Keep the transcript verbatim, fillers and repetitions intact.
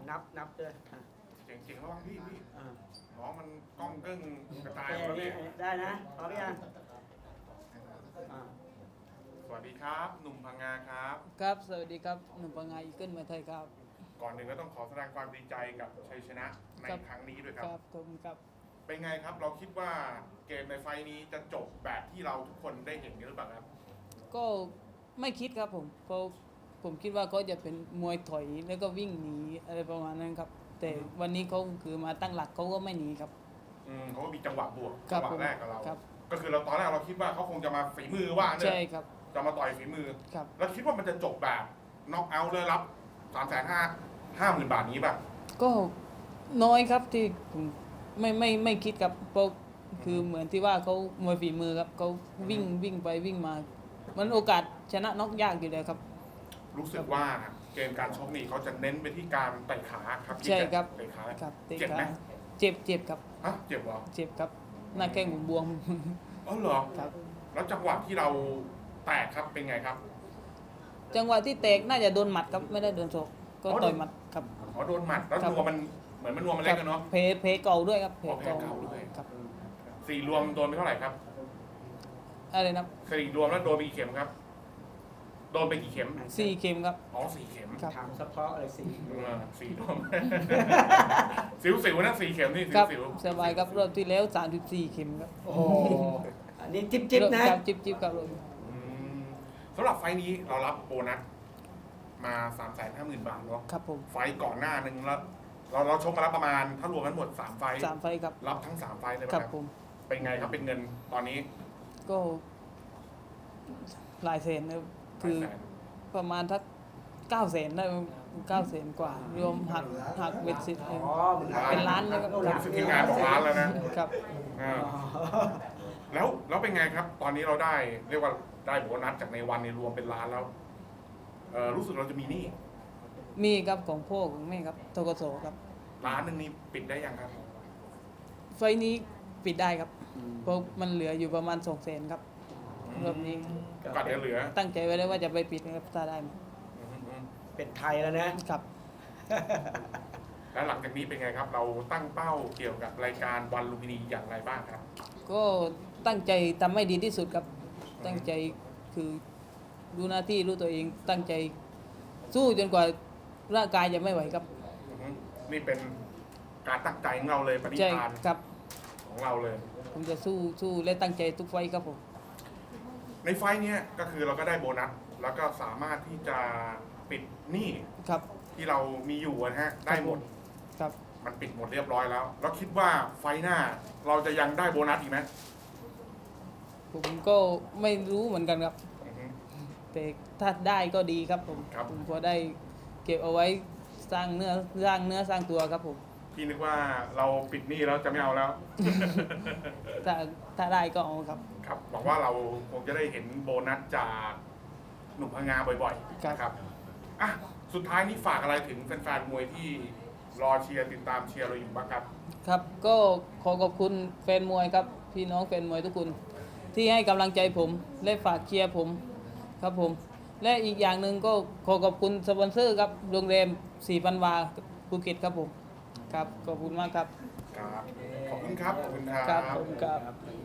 นับนับด้วยอ่ะเจ๋งๆระวังพี่พี่อ่าน้องมันกล้องกึ้งกระจายโอหมดเคแล้วพี่ได้นะพร้อมยังอ่าสวัสดีครับ หนุ่มพังงาครับครับ สวัสดีครับ หนุ่มปังงาอีเกิลเมืองไทยครับก่อนหนึ่งก็ต้องขอแสดงความดีใจกับชัยชนะในครับครั้งนี้ด้วยคครับ รับขอบคุณครับเป็นไงครับ เราคิดว่าเกมในไฟล์นี้จะจบแบบที่เราทุกคนได้เห็นกันหรือเปล่าครับก็ไม่คิดครับผมเพราะผมคิดว่าเขาจะเป็นมวยถอยแล้วก็วิ่งหนีอะไรประมาณนั้นครับ แต่วันนี้เขาคือมาตั้งหลักเขาก็ไม่หนีครับอืมเขาก็มีจังหวะบวกครัจับงหวะแรกกับเราครับก็คือเราตอนแรกเราคิดว่าเขาคงจะมาฝีมือว่าเนี่ใช่ยครับจะมาต่อยฝีมือครับแล้วคิดว่ามันจะจบแบบน็อกเอาท์เลยรับสามแสนห้าห้าหมื่นบาทนี้ป่ะก็น้อยครับที่ผมไม่ไม่ไม่คิดครับเพราะคือเหมือนที่ว่าเขามวยฝีมือครับเขาวิ่งวิ่งไปวิ่งมา มันโอกาสชนะน็อกยากอยู่เลยครับรู้สึกว่าเกมการชกนี่เขาจะเน้นไปที่การเตะขาครับใช่ครับเตะขาครับเตะเจ็บไหมขาเจ็บเจ็บครับฮะเจ็บเหรอเจ็บครับหน้าแข้งผมบวมอ๋อเหรอครับแล้วจังหวะที่เราแตกครับเป็นไงครับจังหวะที่แตกน่าจะโดนหมัดครับไม่ได้โดนศอกก็อ๋อต่อยหมัดครับอ๋อโดนหมัดแล้วครับนัวมันเหมือนมันนัวมันเล็กกันเนาะเพเพเก่าด้วยครับเพอ๋อเพเก่าเก่าด้วยครับสี่รวมโดนไปเท่าไหร่ครับอะไรนะสี่รวมแล้วโดนไปกี่เข็มครับ โดนไปกี่เข็มสี่เข็มครับอ๋อสี่เข็มครับถามเฉพาะอะไรสิเออสี่รวม สิวสิวๆนะสี่เข็มนี่สิคว รับสิวสบายครับรอบที่แล้วสามสิบสี่เข็มครับโอ้โหอันนี้จิ๊บจิ๊บนะครับจิบจิบครับอืมสำหรับไฟล์นี้เรารับโบนัสมาสามแสนห้าหมื่นบาทเนาะครับผมไฟล์ก่อนหน้านึงแล้วเราเราชกมาแล้วประมาณถ้ารวมกันหมดสามไฟล์สามไฟล์ครับรับทั้งสามไฟล์เลยไหมครับครับผมเป็นไงครับเป็นเงินตอนนี้ก็หลายแสนนะครับคือหลายแสนประมาณทักเก้าแสนได้เก้าแสนกว่ารวมหักหักเบ็ดเสร็จอ๋อเป็นล้านเลยครับรู้สึกทีมงานบอกล้านแล้วนะครับ อ่าอ๋อแล้วแล้วเป็นไงครับ ตอนนี้เราได้เรียกว่าได้โบนัสจากในวันในรวมเป็นล้านแล้วเออรู้สึกเราจะมีหนี้มีครับของพ่อของแม่ครับทกศครับล้านหนึงนี่ปิดได้ยังครับไฟล์นี้ปิดได้ครับ เพราะมันเหลืออยู่ประมาณสองแสนครับรอบนี้ก็เดี๋ยวเหลือตั้งใจไว้แล้วว่าจะไปปิดนะครับถ้าได้มาอืมอืมเป็นไทยแล้วนะครับแล้วหลังจากนี้เป็นไงครับ เราตั้งเป้าเกี่ยวกับรายการวันลุมพินีอย่างไรบ้างครับก็ตั้งใจทำให้ดีที่สุดครับ ตั้งใจคือรู้หน้าที่รู้ตัวเอง ตั้งใจสู้จนกว่าร่างกายจะไม่ไหวครับอืมนี่เป็นการตั้งใจของเราเลยปณิใช่ธานครับของเราเลยผมจะสู้สู้และตั้งใจทุกไฟต์ครับผมในไฟล์เนี้ยก็คือเราก็ได้โบนัส แล้วก็สามารถที่จะปิดหนี้ครับที่เรามีอยู่นะฮะได้หมดครับมันปิดหมดเรียบร้อยแล้ว แล้วคิดว่าไฟล์หน้าเราจะยังได้โบนัสอีกไหมผมก็ไม่รู้เหมือนกันครับอือฮึแต่ถ้าได้ก็ดีครับผมครับผมพอได้เก็บเอาไว้สร้างเนื้อสร้างเนื้อสร้างตัวครับผมพี่นึกว่าเราปิดหนี้แล้วจะไม่เอาแล้วถ้าถ้าได้ก็เอาครับครับหวังว่าเราคงจะได้เห็นโบนัสจากหนุ่มพังงาบ่อยๆครับนะครับอ่ะสุดท้ายนี้ฝากอะไรถึงแฟนๆมวยที่รอเชียร์ติดตามเชียร์เราอยู่บ้างครับครับก็ขอขอบคุณแฟนมวยครับ พี่น้องแฟนมวยทุกคน ที่ให้กำลังใจผมและฝากเชียร์ผมครับผม และอีกอย่างหนึ่งก็ขอขอบคุณสปอนเซอร์ครับโรงแรมสี่พันวาภูเก็ตครับผมครับขอบคุณมากครับครับ ขอบคุณครับ ขอบคุณครัครับบผมครับ